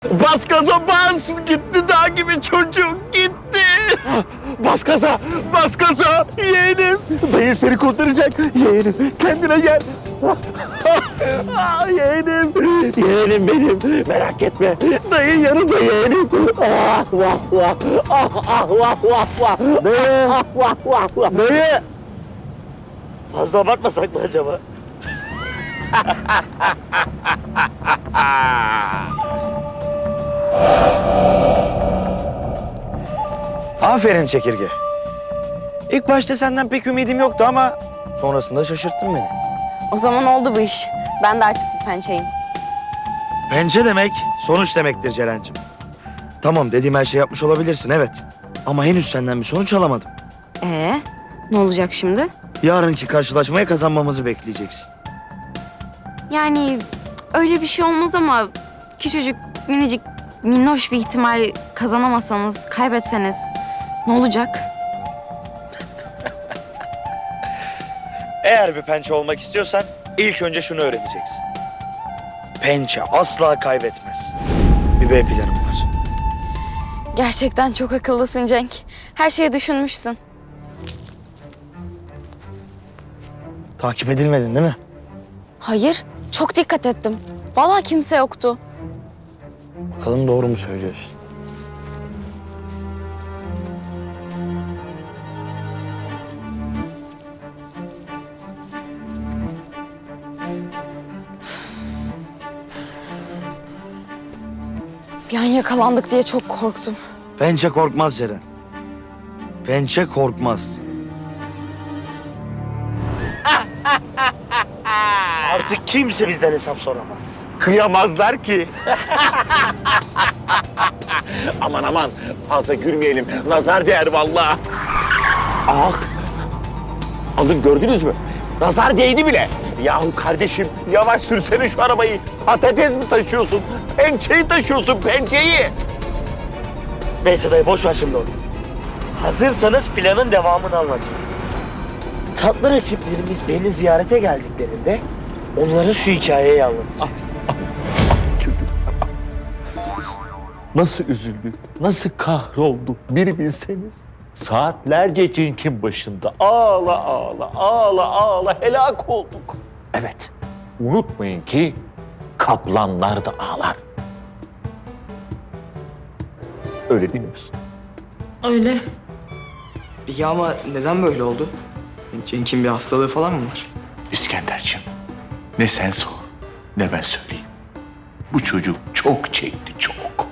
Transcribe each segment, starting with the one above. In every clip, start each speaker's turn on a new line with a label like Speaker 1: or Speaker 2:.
Speaker 1: Bas gaza bas! Gitti dağ gibi çocuk gitti! Bas gaza! Bas gaza! Yeğenim! Dayı seni kurtaracak! Yeğenim kendine gel! Yeğenim! Yeğenim benim! Merak etme! Dayı yanımda yeğenim! Ah vah vah! Ah ah vah vah vah! Dayı! Ah vah vah vah! Dayı! Fazla abartmasak mı acaba?
Speaker 2: Aferin çekirge. İlk başta senden pek ümidim yoktu ama sonrasında şaşırttın beni.
Speaker 3: O zaman oldu bu iş. Ben de artık bir pençeyim.
Speaker 2: Pençe demek sonuç demektir Ceren'cim. Tamam dediğim her şeyi yapmış olabilirsin evet. Ama henüz senden bir sonuç alamadım.
Speaker 3: Ne olacak şimdi?
Speaker 2: Yarınki karşılaşmaya kazanmamızı bekleyeceksin.
Speaker 3: Yani öyle bir şey olmaz ama küçücük, minicik, minnoş bir ihtimal kazanamasanız, kaybetseniz ne olacak?
Speaker 2: Eğer bir pençe olmak istiyorsan ilk önce şunu öğreneceksin. Pençe asla kaybetmez. Bir B planım var.
Speaker 3: Gerçekten çok akıllısın Cenk. Her şeyi düşünmüşsün.
Speaker 2: Takip edilmedin değil mi?
Speaker 3: Hayır, çok dikkat ettim. Vallahi kimse yoktu.
Speaker 2: Bakalım doğru mu söylüyorsun?
Speaker 3: Bir an yakalandık diye çok korktum.
Speaker 2: Pençe korkmaz Ceren. Pençe korkmaz.
Speaker 1: Artık kimse bizden hesap soramaz. Kıyamazlar ki. Aman aman fazla gülmeyelim. Nazar değer vallahi. Ah. Alın gördünüz mü? Nazar değdi bile. Yahu kardeşim yavaş sürsene şu arabayı. Patates mi taşıyorsun? Pençeyi taşıyorsun pençeyi.
Speaker 4: Neyse dayı boş ver şimdi onu. Hazırsanız planın devamını anlatayım. Tatlı rakiplerimiz beni ziyarete geldiklerinde onlara şu hikayeyi anlatacağız.
Speaker 1: Nasıl üzüldü, nasıl kahroldu bir bilseniz. Saatlerce Cenk'in başında ağla ağla ağla ağla helak olduk. Evet, unutmayın ki kaplanlar da ağlar. Öyle değil mi Füsun?
Speaker 3: Öyle.
Speaker 5: İyi ama neden böyle oldu? Cenk'in bir hastalığı falan mı var?
Speaker 6: İskenderciğim, ne sen sor, ne ben söyleyeyim. Bu çocuk çok çekti, çok.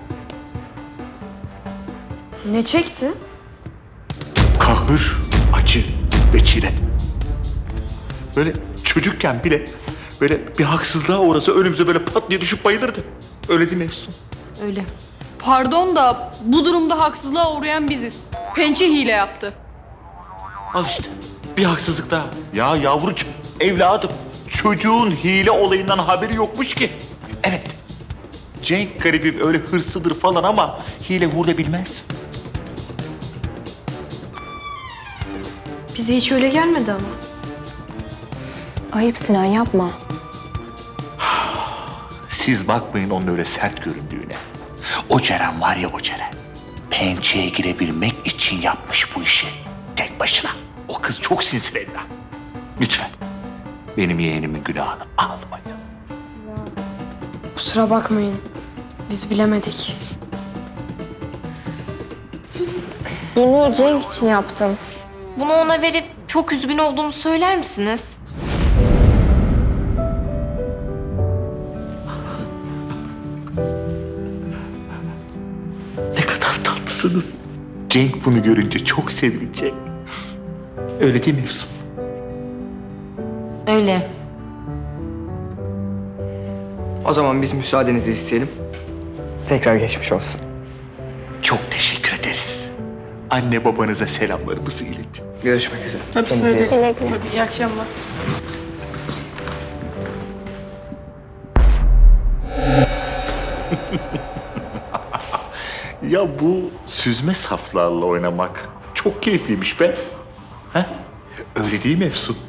Speaker 7: Ne çekti?
Speaker 6: Kahır, acı ve çile. Böyle çocukken bile böyle bir haksızlığa uğrasa önümüze böyle pat diye düşüp bayılırdı. Öyle değil mi Efsun?
Speaker 7: Öyle. Pardon da bu durumda haksızlığa uğrayan biziz. Pençe hile yaptı.
Speaker 6: Al işte, bir haksızlık daha. Ya yavrucuğum, evladım, çocuğun hile olayından haberi yokmuş ki. Evet, Cenk garibim öyle hırslıdır falan ama hile hurda bilmez.
Speaker 7: Bize hiç öyle gelmedi ama.
Speaker 3: Ayıp Sinan yapma.
Speaker 6: Siz bakmayın onun öyle sert göründüğüne. O Ceren var ya o Ceren. Pençeye girebilmek için yapmış bu işi. Tek başına. O kız çok sinsi Leyla. Lütfen. Benim yeğenimin günahını almayın.
Speaker 7: Kusura bakmayın. Biz bilemedik.
Speaker 3: Bunu Cenk için yaptım.
Speaker 8: Bunu ona verip çok üzgün olduğunu söyler misiniz?
Speaker 6: Ne kadar tatlısınız. Cenk bunu görünce çok sevinecek. Öyle değil mi Efsun?
Speaker 8: Öyle.
Speaker 5: O zaman biz müsaadenizi isteyelim. Tekrar geçmiş olsun.
Speaker 6: Çok teşekkür ederiz. Anne babanıza selamlarımızı iletin.
Speaker 5: Görüşmek üzere.
Speaker 7: Tabii söyleriz. Tabii, iyi akşamlar.
Speaker 6: Ya bu süzme saflarla oynamak çok keyifliymiş be. Ha? Öyle değil mi Efsun?